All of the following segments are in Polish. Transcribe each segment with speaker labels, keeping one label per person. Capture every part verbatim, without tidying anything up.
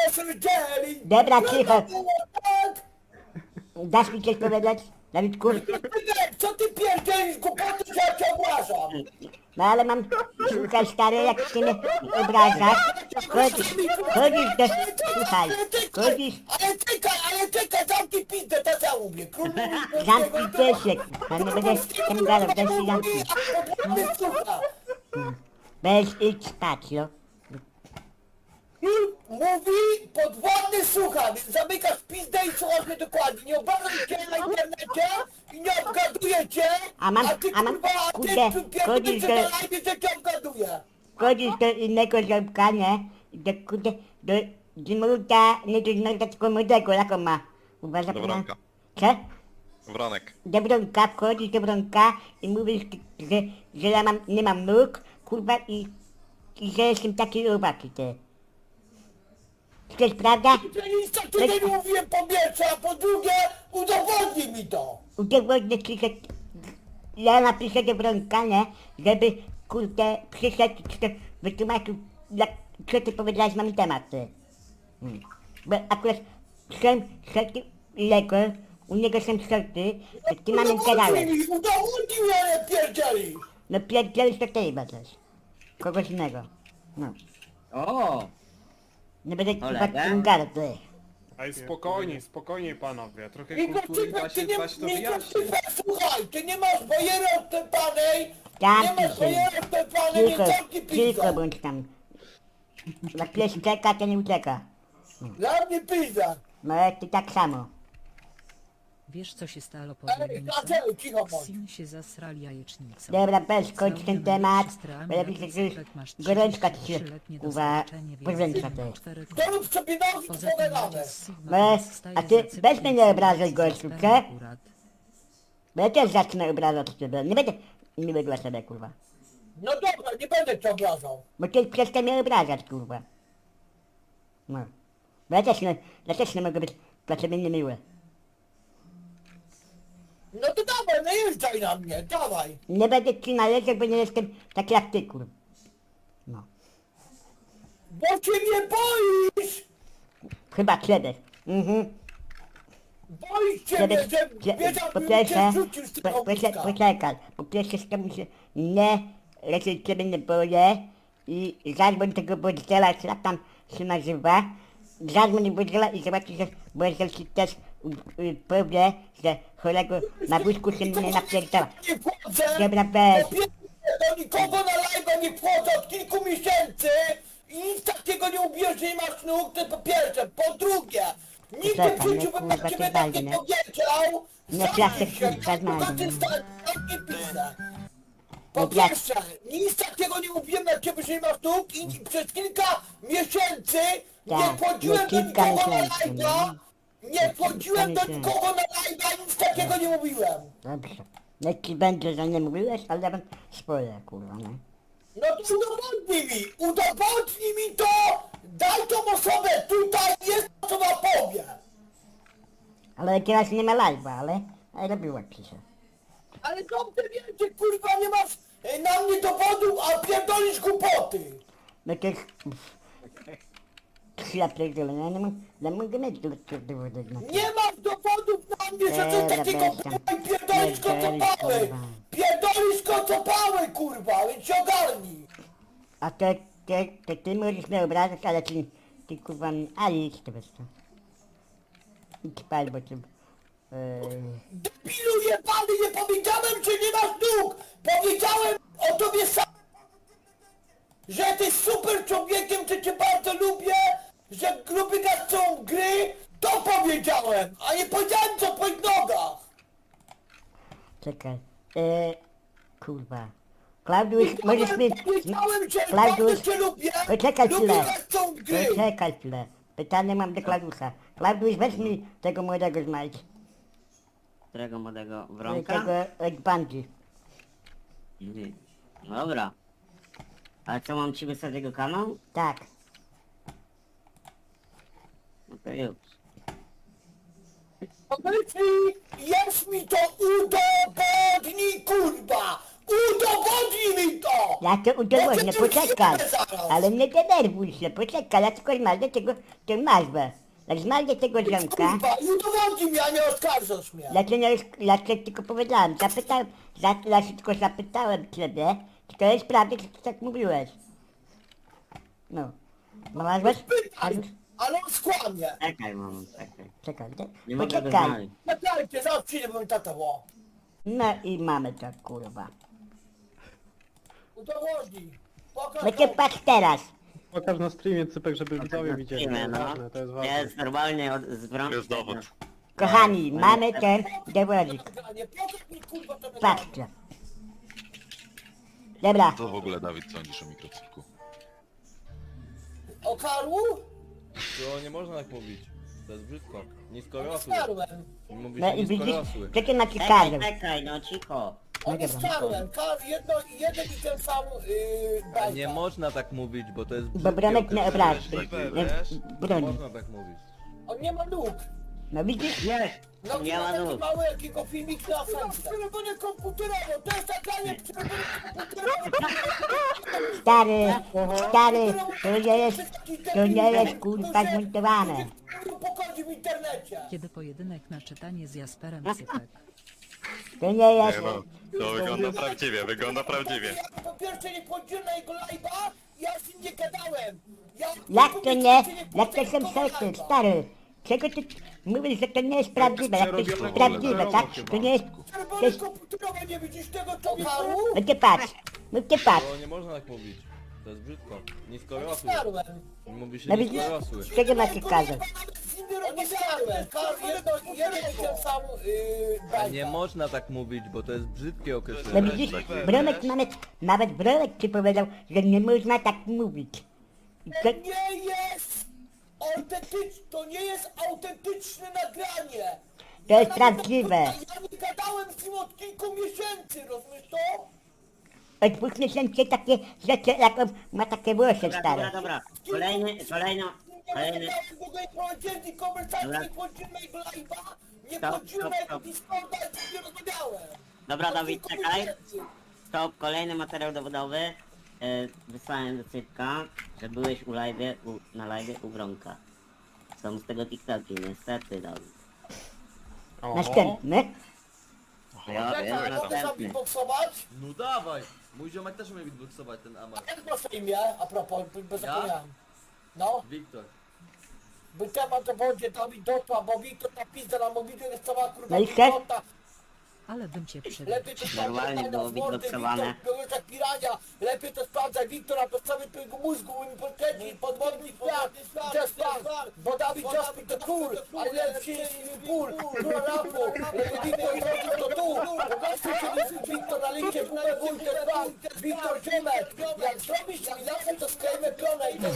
Speaker 1: pierdzieli!
Speaker 2: Dobra, cicho.
Speaker 1: Tak!
Speaker 2: Dasz mi coś powiedzieć, Dawidku?
Speaker 1: Co ty pierdzielisz, głupoty, że ja cię obrażam?
Speaker 2: No ale mam, słuchaj stary, jak się mnie obrażasz, chodzisz, chodzisz do, słuchaj, chodzisz,
Speaker 1: Ale czekaj, ale czekaj, zamknij pizdę, to ja mówię. Król mówi
Speaker 2: zamknij się, kurwa, nie będę z tym gadał, weź się zamknij. Weź idź spać, no.
Speaker 1: Król mówi podwładny słucha, więc zamykasz pizdę i słuchasz mnie dokładnie. Nie obrażam cię na internecie i nie obgaduję cię,
Speaker 2: A mam-
Speaker 1: a ty
Speaker 2: a mam-
Speaker 1: kurwa, a ty
Speaker 2: kurde,
Speaker 1: pierdolisz
Speaker 2: chodzisz
Speaker 1: się
Speaker 2: do-
Speaker 1: na live, że cię obgaduję.
Speaker 2: Chodzisz do innego ziomka, nie? Do, kurde, do Zimruda, nie do Zimruda, tylko młodego, jak on ma? Kurwa, zapomniałem.
Speaker 3: Wronka.
Speaker 2: Co?
Speaker 3: Wronek.
Speaker 2: Do Bronka, wchodzisz do Bronka i mówisz, że, że ja mam, nie mam nóg, kurwa, i, i że jestem taki robaki, ty. Czy to jest prawda?
Speaker 1: Ja nic takiego nie mówiłem po pierwsze, a po drugie udowodnij mi to.
Speaker 2: Udowodnię ci, że ja napiszę do Bronka, nie? Żeby, kurde, przyszedł, czy to wytłumaczył, jak, co ty powiedziałeś na mój temat, ty. Hmm. Bo akurat są sorty Lego, u niego są sorty, że ty mamy
Speaker 1: Udowodnij
Speaker 2: gadałeś.
Speaker 1: mi, udowodnij mi, ale pierdzielisz.
Speaker 2: No pierdzielisz to ty chyba coś. Kogoś innego. No.
Speaker 4: O!
Speaker 2: Nie będę chyba
Speaker 4: Kolega?
Speaker 2: tym gadał, ty.
Speaker 5: Ej, spokojnie, spokojnie panowie, trochę
Speaker 1: Igor
Speaker 5: kultury
Speaker 1: Cypek,
Speaker 5: da
Speaker 1: ty
Speaker 5: się,
Speaker 1: nie,
Speaker 5: da się to
Speaker 1: Igor
Speaker 5: wyjaśnić.
Speaker 1: Cypek, słuchaj, ty nie masz bajery odtepanej,
Speaker 2: Tak,
Speaker 1: nie masz
Speaker 2: ty.
Speaker 1: bajery odtepanej, więc
Speaker 2: Cicho,
Speaker 1: zamknij
Speaker 2: cicho
Speaker 1: pizdę.
Speaker 2: bądź tam. Jak pies czeka, to nie ucieka.
Speaker 1: Dla mnie pizda.
Speaker 2: No jak ty tak samo.
Speaker 6: Wiesz co się stało po
Speaker 1: Ej,
Speaker 6: Wielnicy?
Speaker 1: Dlaczego, cicho bądź.
Speaker 6: Sin się zasrali jajecznicą.
Speaker 2: Dobra, weź, kończ ten
Speaker 6: Klaudia
Speaker 2: temat,
Speaker 6: ma siostrę
Speaker 2: bo ja
Speaker 6: Amię,
Speaker 2: widzę, że już
Speaker 6: Cypek masz
Speaker 2: gorączka ci się,
Speaker 6: trzydziestotrzyletnie
Speaker 2: uwa,
Speaker 6: doświadczenie, więc
Speaker 2: powiększa
Speaker 6: Sin
Speaker 2: ty.
Speaker 6: ma cztery
Speaker 1: Dorób sobie nogi, to
Speaker 6: Poza tym
Speaker 1: pogadamy.
Speaker 6: Maciej z Sigma
Speaker 2: No,
Speaker 6: staje
Speaker 2: a ty
Speaker 6: za Cypkiem
Speaker 2: weź mnie nie
Speaker 6: i
Speaker 2: obrażaj,
Speaker 6: z
Speaker 2: gościu,
Speaker 6: Kasperem
Speaker 2: co?
Speaker 6: akurat.
Speaker 2: Bo ja też zacznę obrażać ciebie, nie będę miły dla siebie, kurwa.
Speaker 1: No dobra, nie będę cię obrażał.
Speaker 2: Bo ty przestań mnie obrażać, kurwa. No. Bo ja też nie, ja też nie mogę być dla ciebie niemiły.
Speaker 1: No to dawaj, najeżdżaj na mnie, dawaj.
Speaker 2: Nie będę ci należał, bo nie jestem taki jak ty, kurwa. No.
Speaker 1: Bo cię nie boisz.
Speaker 2: Chyba ciebie. Mhm.
Speaker 1: Boisz się
Speaker 2: Ciebie,
Speaker 1: mnie, że
Speaker 2: cie,
Speaker 1: wiedział,
Speaker 2: po
Speaker 1: bym cię
Speaker 2: pierwsze,
Speaker 1: rzucił z
Speaker 2: po,
Speaker 1: tego
Speaker 2: poczekaj,
Speaker 1: ogniska.
Speaker 2: poczekaj, po pierwsze z tobą się nie, raczej ciebie nie boję i zadzwoń tego Bodzela, czy jak tam się nazywa, zadzwoń Bodzela i zobaczysz, że Bodzel ci też y, y, powie, że chorego na wózku się nie napierdala.
Speaker 1: Nie wchodzę.
Speaker 2: Dobra, weź.
Speaker 1: Po pierwsze, do nikogo na live'a nie wchodzę od kilku miesięcy i nic takiego nie ubierz, że nie masz nóg, to po pierwsze. Po drugie, nigdy w
Speaker 2: Czekaj,
Speaker 1: życiu
Speaker 2: no
Speaker 1: bym
Speaker 2: kurwa,
Speaker 1: na
Speaker 2: ty
Speaker 1: ciebie
Speaker 2: dalej,
Speaker 1: tak
Speaker 2: nie?
Speaker 1: nie powiedział.
Speaker 2: Nie
Speaker 1: Zamknij
Speaker 2: klaszczę,
Speaker 1: się,
Speaker 2: kurwa, znajdę,
Speaker 1: na tym
Speaker 2: nie?
Speaker 1: stanie, zamknij pizdę. Po
Speaker 2: Nie klaszczę.
Speaker 1: pierwsze, nic takiego nie mówiłem na ciebie, że nie masz nóg i przez kilka miesięcy nie
Speaker 2: Tak,
Speaker 1: wchodziłem
Speaker 2: no
Speaker 1: do
Speaker 2: kilka
Speaker 1: nikogo na
Speaker 2: miesięcy,
Speaker 1: live'a. Nie wchodziłem do
Speaker 2: miesięcy.
Speaker 1: nikogo na live'a, nic takiego nie mówiłem.
Speaker 2: Dobrze. Niech ci będzie, że nie mówiłeś, ale ja mam swoje, kurwa, nie?
Speaker 1: No to udowodnij mi, udowodnij mi to, daj tą osobę, tutaj jest osoba powie.
Speaker 2: Ale teraz nie ma live'a, ale, ale robiła ci się.
Speaker 1: Ale dobrze wiecie, kurwa, nie masz e, na mnie dowodu, a pierdolisz głupoty.
Speaker 2: No to jest... Ja pierdolę, ja nie mam, ja mogę mieć do dowody na to.
Speaker 1: Nie masz dowodów na mnie, że coś
Speaker 2: Dobra,
Speaker 1: takiego
Speaker 2: weź tam.
Speaker 1: było i pierdolisz
Speaker 2: Pierdolisz,
Speaker 1: kocopały.
Speaker 2: kurwa.
Speaker 1: Pierdolisz kocopały, kurwa, więc się ogarnij.
Speaker 2: A to, to, to ty możesz mnie obrażać, ale ty, ty kurwa mnie... A idź to wiesz co. Idź pal, bo ty... Yy,
Speaker 1: Debilu jebany, nie powiedziałem, że nie masz nóg! Powiedziałem o tobie sam, że jesteś super człowiekiem, że cię bardzo lubię, że lubię grać są gry, to powiedziałem, a nie powiedziałem co o twoich nogach!
Speaker 2: czekaj. Yy, kurwa. Klaudiusz, możesz mi...
Speaker 1: Powiedziałem, że
Speaker 2: Klaudiusz,
Speaker 1: bardzo cię lubię,
Speaker 2: poczekaj
Speaker 1: lubię
Speaker 2: chwilę.
Speaker 1: grać są gry!
Speaker 2: Poczekaj chwilę. Pytanie mam do Klaudiusza. Klaudiusz, weź mi tego młodego znajdź.
Speaker 4: Którego młodego wronka?
Speaker 2: Tego Eggbandzi.
Speaker 4: Mhm. Dobra. A co, mam ci wysłać jego kanał?
Speaker 2: Tak.
Speaker 4: No to już.
Speaker 1: Powiedz mi, jest mi to udowodnij, kurwa! Udowodnij! Udowodnij mi to!
Speaker 2: Ja to udowodnię,
Speaker 1: Ja cię
Speaker 2: poczekaj.
Speaker 1: przyjadę zaraz.
Speaker 2: Ale nie denerwuj się, poczekaj, ja tylko zmarzę tego, tę nazwę. Jak zmarzę tego ziomka,
Speaker 1: Kurwa, i udowodnij mi, a nie oskarżasz mnie.
Speaker 2: ja cię, nie, ja cię tylko powiedziałem, zapytałem, za, ja się tylko zapytałem ciebie, czy to jest prawda, czy ty tak mówiłeś. No. No masz was?
Speaker 1: Pytaj, ale on skłamie.
Speaker 4: Czekaj, mamo, czekaj.
Speaker 2: Czekaj, te-
Speaker 4: Nie mogę go
Speaker 2: poczekaj.
Speaker 4: znaleźć.
Speaker 1: Nagrajcie, zaraz przyjdę, bo mi tata wo.
Speaker 2: No i mamy to, kurwa.
Speaker 1: Udowodnij. Pokaż
Speaker 2: No cię
Speaker 1: to.
Speaker 2: patrz teraz.
Speaker 3: Pokaż na streamie, Cypek, żeby widzowie widzieli. To
Speaker 4: Streamie,
Speaker 3: jest
Speaker 4: no.
Speaker 3: ważne, to jest ważne.
Speaker 4: Jest normalnie od, z brązu.
Speaker 7: Jest dowód.
Speaker 2: Kochani, mamy ten dowodzik.
Speaker 1: Nagranie. Pokaż mi, kurwa, to nagranie.
Speaker 2: Patrzcie. Dobra,
Speaker 7: Co w ogóle, Dawid, sądzisz o mikrocyklu?
Speaker 1: O Karlu?
Speaker 8: To nie można tak mówić. To jest brzydko. Niskorosły.
Speaker 1: Oskarłem.
Speaker 8: Mówi
Speaker 2: no
Speaker 8: się
Speaker 2: i widzisz,
Speaker 8: niskorosły.
Speaker 2: co ty macie
Speaker 4: Czekaj,
Speaker 2: każą?
Speaker 4: czekaj, no cicho.
Speaker 1: On
Speaker 2: No
Speaker 1: jest
Speaker 2: dobra.
Speaker 1: Karłem. Kar, jedno, jeden i ten sam yy,
Speaker 8: A
Speaker 1: bajka.
Speaker 8: nie można tak mówić, bo to jest
Speaker 2: Bo
Speaker 8: brzydkie
Speaker 2: Bronek nie
Speaker 8: określenie.
Speaker 2: obrazi. Nie
Speaker 8: Nie
Speaker 2: broni.
Speaker 8: można tak mówić.
Speaker 1: On nie ma nóg.
Speaker 2: No widzisz?
Speaker 4: Jest!
Speaker 1: No
Speaker 4: Nie ma
Speaker 1: taki
Speaker 4: nóg.
Speaker 1: mały jakiego filmik na Facebooku. Przerobione komputerowo, to jest nagranie przerobione komputerowo.
Speaker 2: Stary, stary, to nie jest, to nie jest kurwa zmontowane.
Speaker 1: Pochodzi w internecie.
Speaker 6: Kiedy pojedynek na czytanie z Jasperem Cypek.
Speaker 2: To nie jest,
Speaker 7: Nie no, to wygląda prawdziwie, wygląda prawdziwie.
Speaker 1: Ja po pierwsze nie wchodziłem na jego live'a, ja z nim nie gadałem. Ja
Speaker 2: jak to nie, jak to są sosy, stary. Czego ty mówisz, że to nie jest prawdziwe, jak to jest
Speaker 5: przerobione
Speaker 2: prawdziwe, tak? To nie jest, to
Speaker 1: Przerobione
Speaker 2: jest,
Speaker 1: komputerowo, nie widzisz tego człowieku?
Speaker 2: no ty patrz, no ty patrz.
Speaker 8: To nie można tak mówić. To jest brzydko. Niskorosły.
Speaker 1: Oskarłem.
Speaker 8: Mówi się
Speaker 2: No widzisz,
Speaker 8: niskorosły.
Speaker 2: czego macie każą?
Speaker 1: Oskarłem. Kar, jedno, jeden i ten sam yy,
Speaker 8: A
Speaker 1: bajka.
Speaker 8: nie można tak mówić, bo to jest brzydkie
Speaker 2: No
Speaker 8: określenie.
Speaker 2: widzisz, Bronek nawet, nawet Bronek ci powiedział, że nie można tak mówić. I
Speaker 1: To
Speaker 2: to,
Speaker 1: nie jest autentyczne, to nie jest autentyczne nagranie.
Speaker 2: To jest
Speaker 1: Ja
Speaker 2: prawdziwe.
Speaker 1: nawet- Ja nie gadałem z nim od kilku miesięcy, rozumiesz to?
Speaker 2: od dwóch miesięcy takie rzeczy, jak on ma takie włosy
Speaker 4: Dobra, dobra,
Speaker 2: stare.
Speaker 4: dobra. Kolejny, kolejno,
Speaker 1: Nie
Speaker 4: kolejny.
Speaker 1: gadałem w ogóle, nie prowadziłem tej konwersacji,
Speaker 4: Dobra.
Speaker 1: nie wchodziłem na jego live'a, nie
Speaker 4: Stop,
Speaker 1: wchodziłem
Speaker 4: stop,
Speaker 1: na jego
Speaker 4: stop.
Speaker 1: Discorda, i z nim nie rozmawiałem.
Speaker 4: Dobra,
Speaker 1: Od
Speaker 4: Dawid,
Speaker 1: kilku
Speaker 4: czekaj.
Speaker 1: miesięcy.
Speaker 4: Stop, kolejny materiał dowodowy. E, wysłałem do Cypka, że byłeś u live, u, na live u Bronka. Są z tego TikToki, niestety, Dawid.
Speaker 2: Następny.
Speaker 4: Ja
Speaker 1: Jak
Speaker 4: wiem,
Speaker 1: mogę sam
Speaker 4: następny.
Speaker 1: beatboxować?
Speaker 8: No dawaj! Mój ziomek też umie beatboxować ten Amar.
Speaker 1: Jak masz na imię, a propos, bo
Speaker 8: Ja?
Speaker 1: zapomniałem. No,
Speaker 8: Wiktor.
Speaker 1: by temat to będzie Dawid Dotła, bo Wiktor ta pizda na mobilu jest cała kurwa
Speaker 2: No i co?
Speaker 1: idiota.
Speaker 6: Ale bym cię przydał.
Speaker 1: Lepiej to
Speaker 4: Normalnie
Speaker 1: sprawdzaj
Speaker 4: było
Speaker 1: na mordę,
Speaker 4: beatboxowane.
Speaker 1: Wiktor, byłeś jak pirania. Lepiej to sprawdzaj Wiktora, to cały twojego mózgu, mi podkręcić, podwodny świat, just dance, bo Dawid just be the cool, I love cheese in pool, król rapu, lepiej Wiktor zrobił to tu, po prostu się Wiktor na lincie, bumę wójtek, pan, Wiktor Dziemek, jak zrobisz mi zawsze to sklejmy pionę i to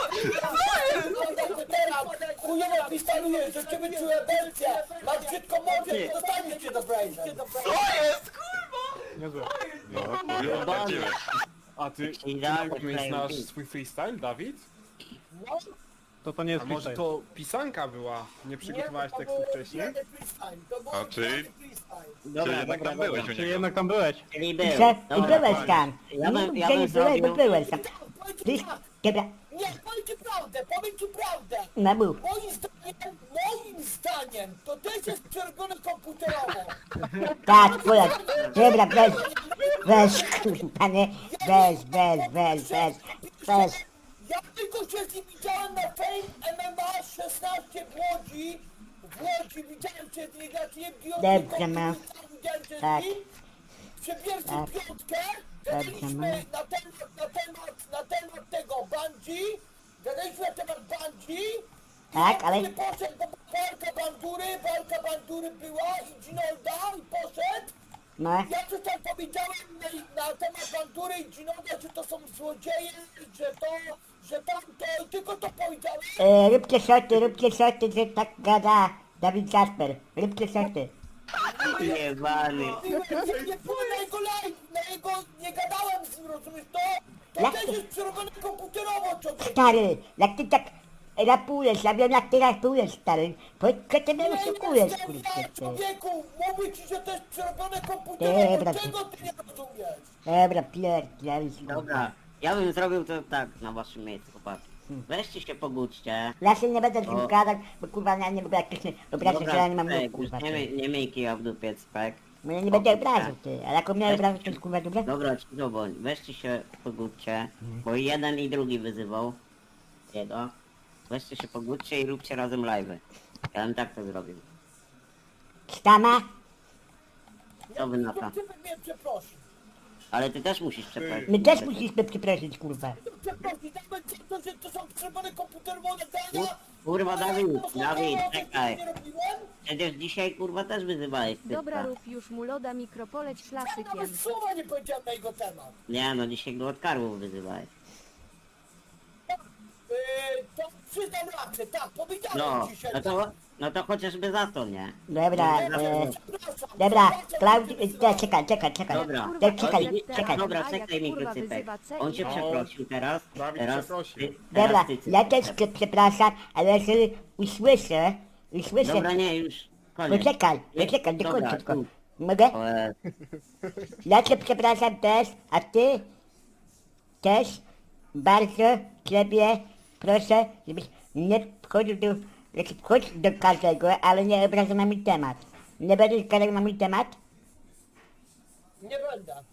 Speaker 1: jest teraz, chujowo pistaluję, że ciebie czuję belcie, masz brzydko mordę, to dostaniesz cię do Brazen.
Speaker 3: Niezłe.
Speaker 7: No, kurwa, prawdziwe.
Speaker 5: A ty, ty
Speaker 4: Idealny
Speaker 5: najpewniej
Speaker 4: player
Speaker 5: znasz
Speaker 4: beat.
Speaker 5: swój freestyle, Dawid?
Speaker 3: To to nie jest
Speaker 5: A może
Speaker 3: freestyle.
Speaker 5: to pisanka była? Nie przygotowałeś
Speaker 1: to
Speaker 5: tekstu
Speaker 1: był
Speaker 5: wcześniej?
Speaker 1: jeden freestyle, to był
Speaker 7: A czy-
Speaker 1: jeden freestyle.
Speaker 4: Dobra,
Speaker 7: jednak
Speaker 4: dobra,
Speaker 7: tam byłeś
Speaker 4: dobra.
Speaker 7: u
Speaker 3: Czy
Speaker 7: niego.
Speaker 3: jednak tam byłeś?
Speaker 4: Czyli był.
Speaker 2: I co? I
Speaker 4: Dobra,
Speaker 2: byłeś tam.
Speaker 4: Ja bym, ja
Speaker 2: Że nie
Speaker 4: bym
Speaker 2: byłeś, bo
Speaker 4: zrobił...
Speaker 2: byłeś tam. Ty, dobra,
Speaker 1: Nie, powiem ci prawdę, powiem ci prawdę.
Speaker 2: no mów.
Speaker 1: Moim zdaniem, moim zdaniem, to też jest przerobione komputerowo.
Speaker 2: Tak, twoja. Dobra, weź, weź, kurwa, nie, weź, weź, weź, weź, weź.
Speaker 1: Ja tylko się z nim widziałem na Fame M M A szesnaście w Łodzi. W Łodzi widziałem się z nim, znaczy nie biorę
Speaker 2: Dobrze, ma.
Speaker 1: widziałem się
Speaker 2: Tak.
Speaker 1: z nim. Przebierzmy
Speaker 2: Tak.
Speaker 1: piątkę,
Speaker 2: Dobrze,
Speaker 1: gadaliśmy
Speaker 2: ma.
Speaker 1: na temat, na temat, na temat tego Bungie. Gadaliśmy na temat Bungie.
Speaker 2: Tak,
Speaker 1: I
Speaker 2: ale-
Speaker 1: on nie poszedł, bo walka bandury, walka bandury była i Ginolda i poszedł.
Speaker 2: No,
Speaker 1: Ja coś tam powiedziałem na, na temat bandury i Ginolda, że to są złodzieje, że to, że tamto, i tylko to powiedziałem.
Speaker 2: e, róbcie szoty, róbcie szoty, że tak gada Dawid Jasper. Róbcie szoty.
Speaker 4: Jebany.
Speaker 1: Nie, nie byłem na jego live, na jego, nie gadałem z nim, rozumiesz to? To
Speaker 2: Jak
Speaker 1: też
Speaker 2: to?
Speaker 1: jest przerobione komputerowo, człowiek.
Speaker 2: Stary, jak ty tak rapujesz, ja wiem jak ty rapujesz, stary. Powiedz, co ty mnie
Speaker 1: Nie
Speaker 2: oszukujesz,
Speaker 1: jestem
Speaker 2: kurczę,
Speaker 1: zły,
Speaker 2: ty.
Speaker 1: człowieku! Mówię ci, że to jest przerobione komputerem,
Speaker 2: Dobra,
Speaker 1: bo
Speaker 2: ty-
Speaker 1: czego ty nie rozumiesz?
Speaker 2: Dobra, pierdolisz, kurwa.
Speaker 4: Dobra, ja bym zrobił to tak na waszym miejscu, chłopaki. Weźcie się pogódźcie.
Speaker 2: Ja się nie będę z nim
Speaker 4: O.
Speaker 2: gadać, bo kurwa ja nie lubię jak ktoś mnie obraża, że ja nie mam
Speaker 4: Cipek,
Speaker 2: nóg, kurwa,
Speaker 4: już nie,
Speaker 2: ty.
Speaker 4: miej- nie miej kija w dupie, Cipek.
Speaker 2: No ja nie będę
Speaker 4: Pogódź
Speaker 2: obrażał,
Speaker 4: się.
Speaker 2: ty. A jak mnie obrażasz, to jest kurwa dobre?
Speaker 4: Dobra, cicho, weźcie się pogódźcie, bo jeden i drugi wyzywał jego. Weźcie się pogódźcie i róbcie razem live'y. Ja bym tak to zrobił.
Speaker 2: Stama?
Speaker 4: Co wy na to?
Speaker 1: To ty mnie przeprosił.
Speaker 4: Ale ty też musisz przeprosić.
Speaker 2: My też musimy przeprosić, kurwa.
Speaker 1: Przeprosił, nawet za to, że to są przerobione komputerowe nagrania.
Speaker 4: Kurwa, Dawid, Dawid,
Speaker 1: Ja
Speaker 4: czekaj.
Speaker 1: nie robiłem.
Speaker 4: Przecież dzisiaj kurwa też wyzywałeś typka.
Speaker 9: Dobra, rób już mu loda mikropoleć
Speaker 1: Ja
Speaker 9: klasykiem.
Speaker 1: nawet słowa nie powiedziałem na jego temat.
Speaker 4: Nie no, dzisiaj go od karłów wyzywałeś.
Speaker 1: Yy, to przyznam rację, tak, powiedziałem
Speaker 4: No,
Speaker 1: ci się.
Speaker 4: no to, no to chociażby za to, nie?
Speaker 2: Dobra,
Speaker 1: Ja
Speaker 2: e,
Speaker 1: przepraszam,
Speaker 2: dobra,
Speaker 1: przepraszam,
Speaker 2: Klaudii,
Speaker 1: że
Speaker 2: e, czekaj, czekaj, czekaj.
Speaker 4: Dobra.
Speaker 9: Kurwa,
Speaker 2: Czekaj, czekaj,
Speaker 9: jak
Speaker 4: Czekaj,
Speaker 2: czekaj.
Speaker 4: dobra,
Speaker 9: A jak
Speaker 4: czekaj
Speaker 9: kurwa
Speaker 4: mikrocypek.
Speaker 9: wyzywa C
Speaker 4: On cię
Speaker 9: i-
Speaker 4: przeprosił teraz,
Speaker 5: Dawid
Speaker 4: teraz,
Speaker 5: przeprosił.
Speaker 4: ty,
Speaker 2: Dobra,
Speaker 4: teraz ty,
Speaker 2: ja
Speaker 4: Cypek.
Speaker 2: też cię przepraszam, ale jeżeli usłyszę, usłyszę...
Speaker 4: Dobra, nie, już, koniec.
Speaker 2: Poczekaj,
Speaker 4: Nie,
Speaker 2: poczekaj,
Speaker 4: dobra,
Speaker 2: dokończę tylko.
Speaker 4: tu.
Speaker 2: Mogę?
Speaker 4: O, e,
Speaker 2: Ja cię przepraszam też, a ty też bardzo ciebie proszę, żebyś nie wchodził do, znaczy wchodź do każdego, ale nie obrażał na mój temat. Nie będziesz gadał na mój temat?
Speaker 1: Nie będę.